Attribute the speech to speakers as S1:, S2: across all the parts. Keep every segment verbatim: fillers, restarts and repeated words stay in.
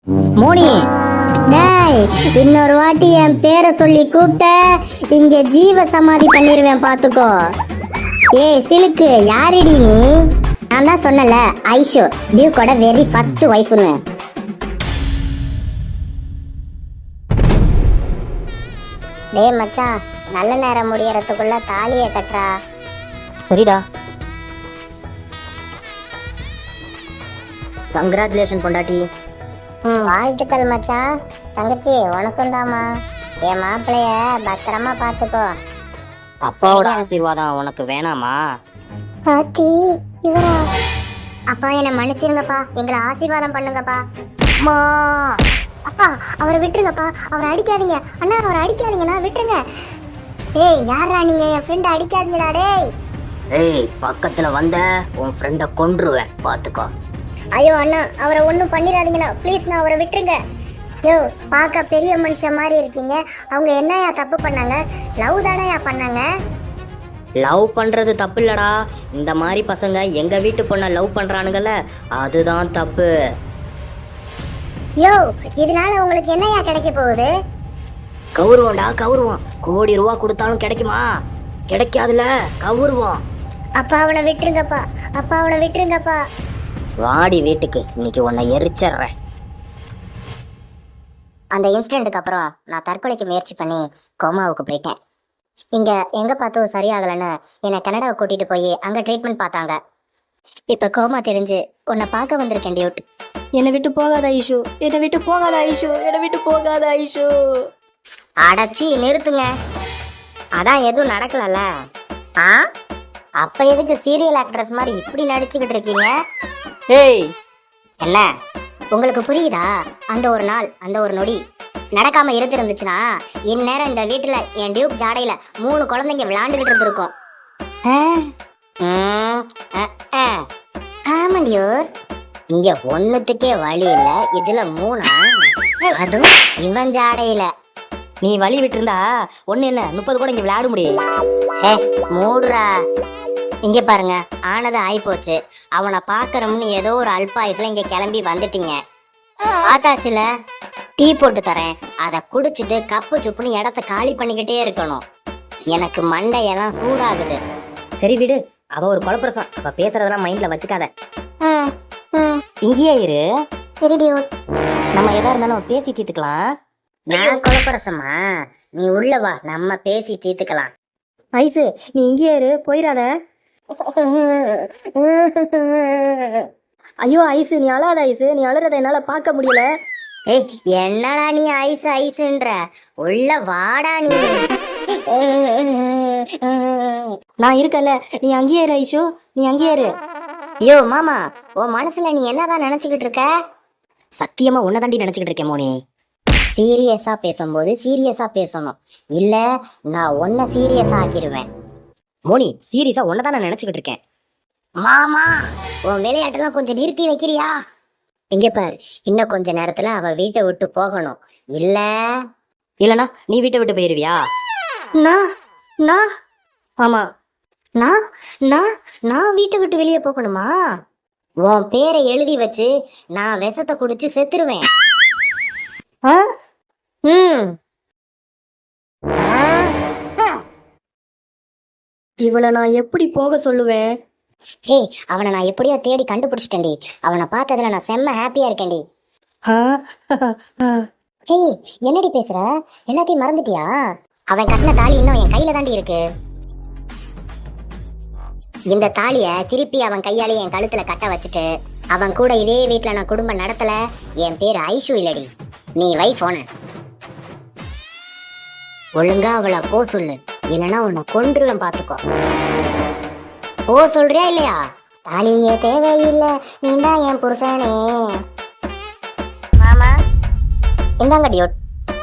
S1: மோனி,
S2: டேய், இன்னொரு வாட்டி என் பேரை சொல்லி கூப்பிட்ட இங்க ஜீவ சமாதி பண்ணிருவேன் பாத்துக்கோ. ஏய் சிலுக்கு, யாரடி நீ? நான் தான் சொன்னல, ஐஷு டியூக்கோட வெரி ஃபர்ஸ்ட் ஒய்ஃப்னு. டேய் மச்சான், நல்ல நேரம் முடியறதுக்குள்ள தாலியை கட்டுறா.
S1: சரிடா. கங்க்ராச்சுலேஷன் பொண்டாட்டி.
S2: ம், வாழ்த்துக்கள் மச்சான். தங்கச்சி உனக்கும் தாமா. என் மாப்பிளைய பத்திரமா பாத்துக்கோ.
S1: அப்பாவோட ஆசீர்வாதம் உனக்கு வேணாமா?
S2: பாத்தி இவரா? அப்பா என்ன மன்னிச்சிருங்கப்பா, எங்களை ஆசீர்வாதம் பண்ணுங்கப்பா.
S1: அம்மா,
S2: அப்பா அவரை விட்டுருங்கப்பா, அவரை அடிக்காதீங்க. அண்ணா அவரை அடிக்காதீங்கண்ணா, விட்டுருங்க. ஏய் யாரா நீங்க? என் ஃப்ரெண்ட் அடிக்காதீங்கடா. டேய்
S1: ஏய், பக்கத்துல வந்த உன் ஃப்ரெண்ட கொன்றுவேன் பாத்துக்கோ.
S2: ஐயோ அண்ணா, அவரை ஒன்றும் பண்ணிடாதீங்கண்ணா ப்ளீஸ். நான் அவரை விட்டுருங்க. யோ, பார்க்க பெரிய மனுஷன் மாதிரி இருக்கீங்க. அவங்க என்னயா தப்பு பண்ணாங்க? லவ் தானயா பண்ணாங்க?
S1: லவ் பண்றது தப்பு இல்லடா. இந்த மாதிரி பசங்க எங்க வீட்டு பொண்ண லவ் பண்றானுங்கல்ல, அதுதான் தப்பு.
S2: யோ, இதனால உங்களுக்கு என்னையா கிடைக்க போகுது?
S1: கௌரவம்டா கௌரவம். கோடி ரூபா கொடுத்தாலும் கிடைக்குமா? கிடைக்காதுல, கௌரவம்.
S2: அப்பா அவனை விட்டுருங்கப்பா, அப்பா அவனை விட்டுருங்கப்பா.
S1: வாடி வீட்டுக்கு, இன்னைக்கு உன்னை எரிச்சிடுறேன்.
S2: அந்த இன்சிடென்ட்டுக்கு அப்புறம் நான் தற்கொலைக்கு முயற்சி பண்ணி கோமாவுக்கு போயிட்டேன். இங்க எங்க பார்த்தும் சரியாகலைன்னு என்னை கனடாவை கூட்டிட்டு போய் அங்க ட்ரீட்மெண்ட் பார்த்தாங்க. இப்ப கோமா தெரிஞ்சு உன்னை பார்க்க வந்திருக்கேன் டியூட்.
S1: என்னை விட்டு போகாத ஐஷு, என்னை விட்டு போகாத ஐஷு, என்னை விட்டு போகாத ஐஷு.
S2: அடைச்சி நிறுத்துங்க. அதான் எதுவும் நடக்கலல்ல. ஆ, அப்ப எதுக்கு சீரியல் ஆக்ட்ரஸ் மாதிரி இப்படி நடிச்சுக்கிட்டு இருக்கீங்க?
S1: ஏய்,
S2: என்ன உங்களுக்கு புரியுதா? அந்த ஒரு நாள், அந்த ஒரு நொடி நடக்காம இருந்துருந்துச்சுன்னா இந்நேரம் இந்த வீட்டுல என் டியூப் ஜாடையில மூணு குழந்தைங்க விளையாண்டுகிட்டு இருந்திருக்கும். ஆமா டியூட், இங்க ஒண்ணுத்துக்கே வழி இல்ல, இதுல மூணா? அதுவும் இவன் ஜாடையில.
S1: நீ வழி விட்டுருந்தா ஒண்ணு என்ன முப்பது கூட இங்க விளையாட முடியும்.
S2: ஏ மூடுறா. இங்க பாருங்க, ஆனது ஆயிப்போச்சு. அவனை பாக்கறோம்னு ஏதோ ஒரு அல்பாயுசுல இங்க கிளம்பி வந்துட்டீங்க. ஆத்தாச்சுல, டீ போட்டு தரேன், அதை குடிச்சிட்டு கப்பு சுப்புன்னு இடத்த காலி பண்ணிக்கிட்டே இருக்கணும். எனக்கு மண்டையெல்லாம் சூடாகுது.
S1: சரி விடு, அவ ஒரு குழப்பரசம், அவ பேசுறதெல்லாம் மைண்ட்ல வச்சுக்காத. இங்கேயே இரு.
S2: சரி டியூட்,
S1: நம்ம எதா இருந்தாலும் பேசி தீர்த்துக்கலாம்.
S2: நான் குழப்பரசமா? நீ உள்ள வா, நம்ம பேசி தீர்த்துக்கலாம்.
S1: ஐசு, நீ இங்கேயே இரு, போயிடாத. ஐயோ ஐசு, நீ அழாத ஐசு, நீ அழுறத என்னால பார்க்க முடியல.
S2: ஏய் என்னடா நீ ஐஸ் ஐஸ்ன்ற? உள்ள வாடா நீ.
S1: நான் இருக்கல, நீ அங்கேயே இரு ஐஷு, நீ அங்கேயே இரு.
S2: ஐயோ மாமா, உன் மனசுல நீ என்னதான் நினைச்சுக்கிட்டு இருக்க?
S1: சத்தியமா உன்னை தாண்டி நினைச்சுக்கிட்டு இருக்கேன் மோனி.
S2: சீரியஸா பேசும்போது சீரியஸா பேசணும், இல்ல நான் உன்னை சீரியஸா ஆக்கிடுவேன்.
S1: மோனி, சீரியஸா உன்னை தான் நான் நினைச்சுக்கிட்டு இருக்கேன்.
S2: மாமா, உன் விளையாட்டெல்லாம் கொஞ்சம் நிறுத்தி வைக்கிறியா? இங்க பார், இன்னும் கொஞ்ச நேரத்துல அவ வீட்டை விட்டு போகணும். இல்ல
S1: இல்லனா நீ வீட்டை விட்டு போயிருவியா?
S2: நான் நான்
S1: ஆமா,
S2: நான் நான் நான் வீட்டை விட்டு வெளியே போகணுமா? உன் பேரை எழுதி வச்சு நான் விஷத்தை குடிச்சு செத்துருவேன்.
S1: ஆ?
S2: ம்.
S1: இவளை நான் எப்படி போக சொல்லுவேன்?
S2: ஹே, அவனை நான் எப்படியோ தேடி கண்டுபிடிச்சிட்டேன்டி. அவனை பார்த்ததுல நான் செம்ம ஹாப்பியா இருக்கேன்டி.
S1: ஆ?
S2: ஹே, என்னடி பேசுற? எல்லாத்தையும் மறந்துட்டியா? அவன் கட்டின தாலி இன்னும் என் கையில தாண்டி இருக்கு. இந்த தாலிய திருப்பி அவன் கையாலே என் கழுத்துல கட்ட வச்சுட்டு அவன் கூட இதே வீட்டுல நான் குடும்பம் நடத்தல, என் பேர் ஐஷு இல்லடி. நீ வை போன. ஒழுங்கா அவளை போ சொல்லு, இல்லைன்னா உன்னை கொன்றுவேன் பாத்துக்கோ. போ சொல்றியா இல்லையா? தாலியே தேவையில்லை, நீ தான் என் புருஷனே. மாமா இந்தாங்க டியூட்.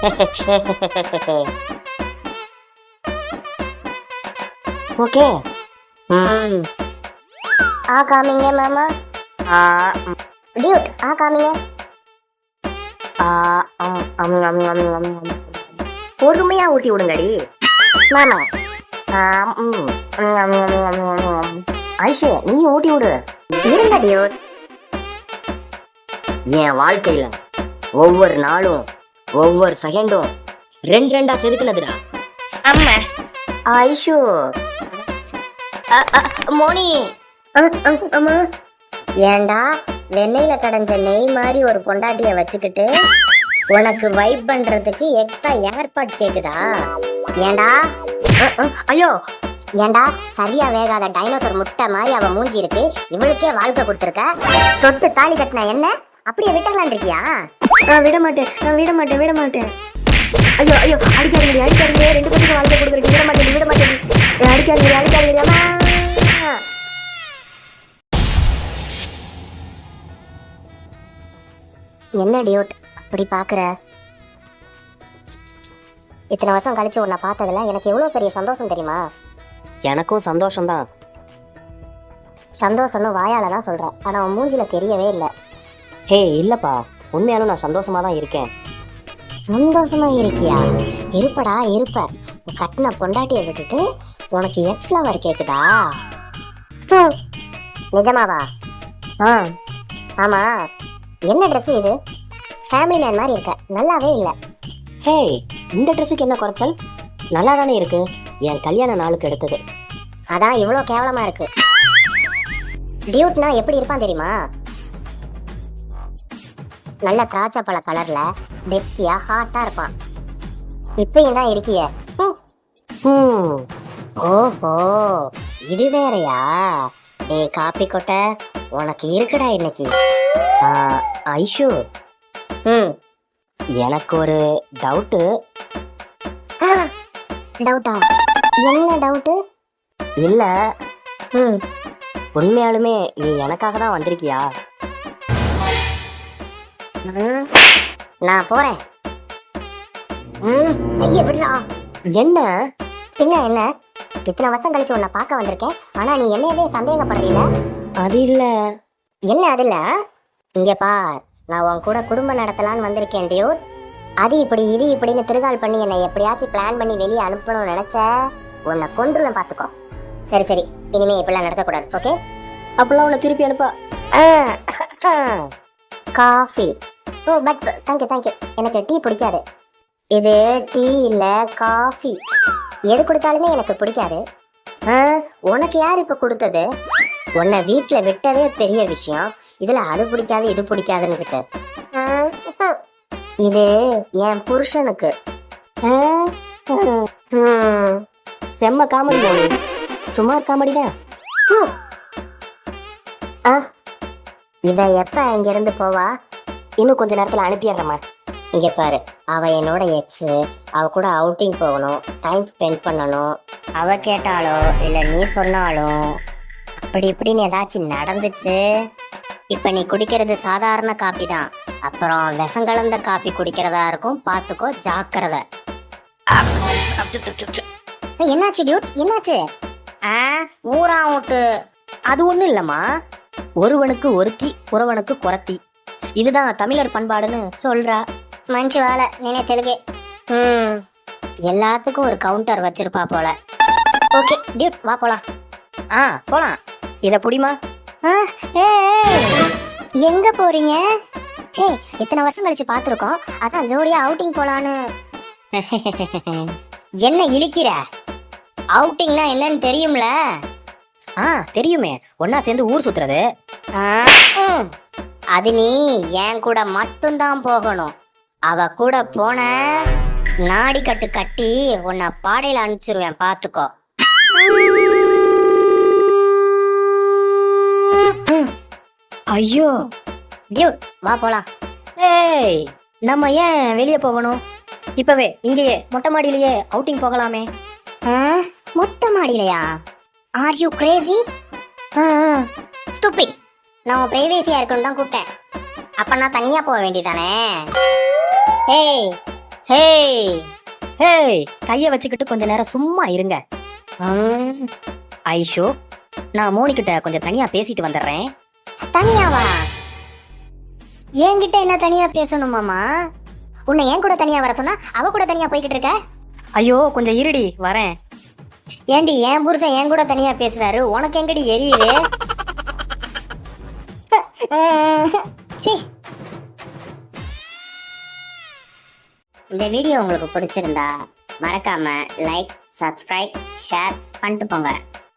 S1: ஓகே.
S2: ம். ஆ காமிங்க மாமா.
S1: ஆ
S2: டியூட் ஆ காமிங்க.
S1: ஆ அம் அம் அம் அம் அம் அம். பொறுமையா ஊட்டி விடுங்கடி
S2: மாமா.
S1: ஆம், ம், ம், ம், ம், ம், ம். ஐஷு, நீ ஊட்டி விடு.
S2: இருங்க டியூட்.
S1: என் வாழ்க்கையில ஒவ்வொரு நாளும் ஒவ்வொரு செகண்டும் ரெண்டு ரெண்டா செதுக்குனதுடா.
S2: அம்மா
S1: ஐஷு
S2: அ, அ, மோனி
S1: அம்மா
S2: ஏண்டா வெண்ணெயில கடைஞ்ச நெய் மாதிரி ஒரு பொண்டாட்டிய வச்சுக்கிட்டு உனக்கு வைப் பண்றதுக்கு எக்ஸ்ட்ரா ஏர்பாட் கேக்குதா? ஏண்டா
S1: ஐயோ
S2: ஏண்டா சரியா வேகாத டைனோசர் முட்டை மாதிரி அவ மூஞ்சி இருக்கு, இவளுக்கே வாழ்க்கை கொடுத்துருக்க. தொட்டு தாலி கட்டின என்ன அப்படியே விட்டலான் இருக்கியா?
S1: நான் விட மாட்டேன், நான் விட மாட்டேன், விட மாட்டேன். ஐயோ ஐயோ அடிக்காதீங்க, அடிக்காதீங்க, ரெண்டு பேருக்கு வாழ்க்கை கொடுக்குறீங்க, விட மாட்டேன், விட மாட்டேன், அடிக்காதீங்க, அடிக்காதீங்க. அம்மா.
S2: என்ன டியூட் அப்படி பாக்குற? இத்தனை வருஷம் கழிச்சு உன்னை பார்த்ததுல எனக்கு எவ்வளவு பெரிய சந்தோஷம் தெரியுமா?
S1: எனக்கும் சந்தோஷம்தான்.
S2: சந்தோஷம்னு வாயால தான் சொல்றேன், ஆனா உன் மூஞ்சில தெரியவே இல்லை.
S1: ஹே இல்லப்பா, உண்மையாலும் நான் சந்தோஷமா தான் இருக்கேன்.
S2: சந்தோஷமா இருக்கியா? இருப்படா இருப்ப. உன் கட்டின பொண்டாட்டியை விட்டுட்டு உனக்கு எக்ஸ் லவர் கேக்குதா? ஹம், நிஜமாவா?
S1: ஆ
S2: ஆமா, என்ன ட்ரெஸ் இது? ஃபேமிலி மேன் மாதிரி இருக்க, நல்லாவே இல்லை.
S1: ஹே, இந்த ட்ரெஸ்ஸுக்கு என்ன குறைச்சல்? நல்லா தானே இருக்கு, என் கல்யாண நாளுக்கு எடுத்தது.
S2: அதான் இவ்வளோ கேவலமா இருக்கு. டியூட்னா எப்படி இருப்பான் தெரியுமா? நல்ல திராட்சை பழ கலர்ல பெஸ்டியா ஹாட்டா இருப்பான். இப்பயும் தான் இருக்கிய.
S1: ம்
S2: ஓஹோ, இது வேறயா? டே காப்பி கொட்டை, உனக்கு இருக்குடா இன்னைக்கு.
S1: ஆ, ஐஷு
S2: ம்
S1: எனக்கு ஒரு டவுட்டு.
S2: டவுட்டா? என்ன டவுட்டு?
S1: இல்ல,
S2: ம்
S1: உண்மையாலுமே நீ எனக்காக தான் வந்திருக்கியா?
S2: ம், நான் போறேன். ம் ஐயா விடுறா.
S1: என்ன?
S2: பின்ன என்ன, இத்தனை வருஷம் கழிச்சு உன்னை பார்க்க வந்திருக்கேன், ஆனா நீ என்னையவே சந்தேகப்படுறீல?
S1: அது இல்ல.
S2: என்ன அதுல? இங்க பார், நான் உன் கூட குடும்பம் நடத்தலான்னு வந்திருக்கேன் டியூட். அது இப்படி இது இப்படின்னு திருகால் பண்ணி என்னை எப்படியாச்சும் பிளான் பண்ணி வெளியே அனுப்பணும்னு நினைச்ச உன்னை கொன்றுவேன் பார்த்துக்கோ. சரி சரி, இனிமே இப்படிலாம் நடக்கக்கூடாது, ஓகே?
S1: அப்பெல்லாம் உன்னை திருப்பி அனுப்ப.
S2: Coffee. Oh but thank you thank you, எனக்கு டீ பிடிக்காது. இது டீ இல்ல காஃபி. எது கொடுத்தாலுமே எனக்கு பிடிக்காது. ஆ, உனக்கு யார் இப்ப கொடுத்தது? உன்னை வீட்டுல விட்டதே பெரிய விஷயம், இதுல அது பிடிக்காது இது பிடிக்காதுன்னு விட்டு. ஆ, இது என் புருஷனுக்கு.
S1: ஆ, ம்.
S2: ம்,
S1: செம்ம காமெடி மோனி, சுமார் காமெடி தான்.
S2: ம். ஆ, இவ எப்ப இங்க இருந்து போவா?
S1: இன்னும் கொஞ்ச நேரத்துல அனுப்பிடுறேம்மா.
S2: இங்க பாரு, அவ என்னோட எக்ஸ், அவ கூட அவுட்டிங் போகணும், டைம் ஸ்பெண்ட் பண்ணணும். அவ கேட்டாலோ இல்ல நீ சொன்னாலும் அப்படி இப்படின்னு ஏதாச்சும் நடந்துச்சு, இப்ப நீ குடிக்கிறது சாதாரண காப்பி தான், அப்புறம் விஷங்கலந்த காப்பி குடிக்கிறதா இருக்கும், பாத்துக்கோ, ஜாக்கிரதை. என்னாச்சு டியூட், என்னாச்சு? ஆ, ஊரா விட்டு.
S1: அது ஒண்ணும் இல்லம்மா, ஒருவனுக்கு ஒருத்தி புறவனுக்கு குறத்தி, இதுதான் தமிழர் பண்பாடுன்னு சொல்றா.
S2: மஞ்சு வேலை நினை தெலுங்கு. ம், எல்லாத்துக்கும் ஒரு கவுண்டர் வச்சிருப்பா போல. ஓகே டியூட், வா போலாம்.
S1: ஆ போலாம். இத புடிமா.
S2: ஆ, ஏய், எங்க போறீங்க? ஹே, இத்தனை வருஷம் கழிச்சு பாத்துருக்கோம், அதான் ஜோடியா அவுட்டிங் போலான்னு. என்ன இழிக்கிற? அவுட்டிங்னா என்னன்னு தெரியும்ல?
S1: ஆ தெரியுமே, ஒன்னா சேர்ந்து ஊர் சுத்துறது.
S2: ஆ, ம். அது நீ என் கூட மட்டும்தான் போகணும். அவ கூட போன நாடி கட்டு கட்டி உன்னை பாடையில அனுப்பிச்சிருவேன், பாத்துக்கோ.
S1: ஐயோ
S2: டியூட், வா போலாம்.
S1: ஏய், நம்ம ஏன் வெளியே போகணும்? இப்பவே இங்கேயே மொட்டை மாடியிலேயே அவுட்டிங் போகலாமே.
S2: ஆ, மொட்டை மாடியிலையா? Are you crazy?
S1: ஆ, ஆ.
S2: ஸ்டூபிட், நான் உன் பிரைவேசியா இருக்கணும் தான் கூப்பிட்டேன். அப்ப நான் தனியா போக வேண்டியதானே? ஹேய் ஹேய்
S1: ஹேய், கைய வச்சுக்கிட்டு கொஞ்ச நேரம் சும்மா இருங்க.
S2: ம்,
S1: ஐஷோ, நான் மோனிக்கிட்ட கொஞ்சம் தனியா பேசிட்டு வந்துடுறேன்.
S2: தனியாவா? என்கிட்ட என்ன தனியா பேசணுமாமா? உன்னை என் கூட தனியா வர சொன்னா அவ கூட தனியா போய்கிட்டு இருக்க.
S1: ஐயோ கொஞ்சம் இருடி, வரேன்.
S2: ஏண்டி என் புருஷன் என் கூட தனியா பேசுறாரு, உனக்கு எங்கடி எரியுது? சீ, இந்த வீடியோ உங்களுக்கு பிடிச்சிருந்தா மறக்காம லைக் சப்ஸ்கிரைப் ஷேர் பண்ணிட்டு போங்க.